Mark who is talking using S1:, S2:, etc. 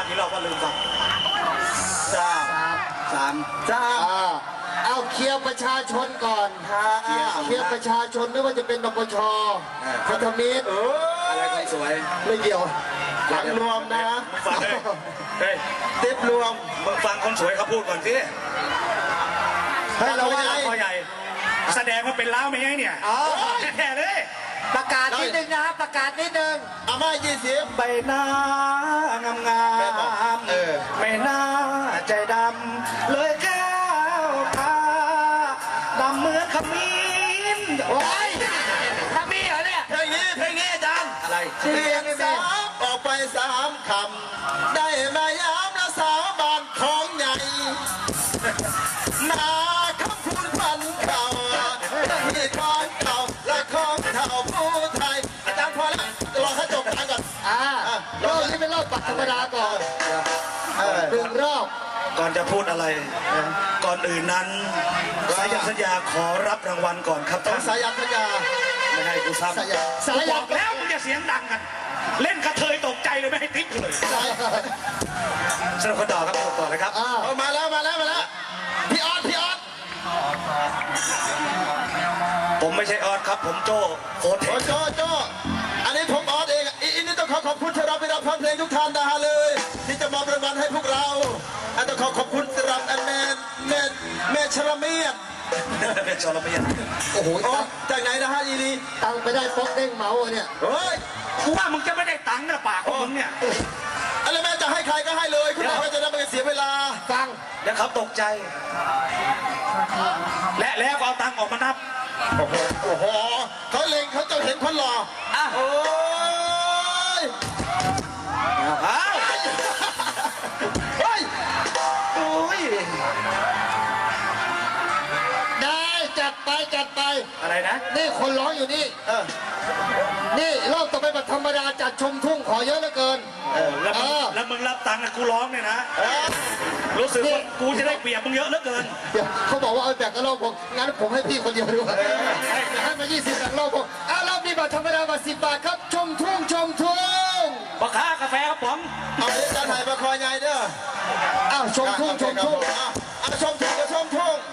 S1: ฟังกี่รอบก็ลืมฟังสาม
S2: เอาเคลียร์ประชาชนก่อนเคลียร์ประชาชนไม่ว่าจะเป็นนปชพันธมิตร
S1: อะไรคนสวย
S2: ไม่เกี่ยวหลังรวมนะ
S1: ฟังเฮ้ยติ๊บรวมมึงฟังคนสวยเขาพูดก่อนสิ
S2: ให้เรา
S1: คอใหญ่แสดงว่าเป็นล้าวไม่ไงเนี่ยแท้เลย
S2: ประกาศนิดนึงนะครับประกาศนิดนึง
S1: อาม่า20ใบหน้างามงามไม่น่าใจดำเลยแก้วตาดำเหมือนขมิ้น
S2: โอ้ยทำมีเหรอเนี่ย
S1: เพลงนี้อาจารย์อะไร
S2: เสียงสาม
S1: ออกไป3 คำได้มาย้ำและสาบานของใหญ่นาคำพูดพันเก่าที่ของเก่าและของเท่าผู้ไทยอาจารย์พอแล้วรอให้จบกันก่อน
S2: รอบนี้เป็นรอบปัดธรรมดาก่อน1 รอบ
S1: ก่อนจะพูดอะไรก่อนอื่นนั้นสายันสัญญาขอรับรางวัลก่อนครับ
S2: ต้องสายันสัญญา
S1: ไม่ให้กูซ้ำ
S2: สายัน
S1: บอกแล้วมึงจะเสียงดังกันเล่นกระเทยตกใจเลยไม่ให้ติ๊กเลยสนุกกันต่อครับสนุกต่อเลยครับมาแล้วพี่ออสผมไม่ใช่ออสครับผมโจโคเทค
S2: โจอันนี้ผมออสเองอีนี่ต้องขอบคุณสำหรับฟังเพลงทุกท่านนะฮะเลยที่จะมอบรางวัลให้พวกเราต้องขอบคุณสำหรับแม่ชลเมียด
S1: เป็นชลเมียด
S2: โอ้โหจากไหนนะฮะอีนี่ตังไปได้ฟอกเด้งเมาเนี่ย
S1: เฮ้ยกูว่ามึงจะไม่ได้ตังค์นะปากของมึงเนี่ย
S2: อะไรแม่จะให้ใครก็ให้เลยคุณบอกว่าจะได้ไม่เสียเวลาฟัง
S1: แล้วเขาตกใจแล้วเอาตังค์ออกมานับ
S2: โอ้โหเขาเล็งเขาจะเห็นคนหล่อโอ้ย
S1: เฮ้ยโอ้ย
S2: ได้จัดไป
S1: อะไรนะ
S2: นี่คนร้องอยู่นี่นี่รอบต่อไปแบบธรรมดาจัดชมทุ่งขอเยอะเหลือเกิน
S1: แล้วมึงรับตังค์กูร้องเนี่ยนะรู้สึกว่ากูจะได้เปรียบมึงเยอะเหลือเกิน
S2: เขาบอกว่าเอาแบกกระโหลกผมงั้นผมให้พี่คนเดียวดีกว่าให้มา20แบกกระโหลกผมรอบนี้แบบธรรมดาแบบ10 บาทครับชมทุ่ง
S1: ปะค้ากาแฟครับผม
S2: เอาเดี๋ยวจะถ่ายประคอยไงเด้อชมทุ่ง
S1: ชมทุ่งกับชมทุ่ง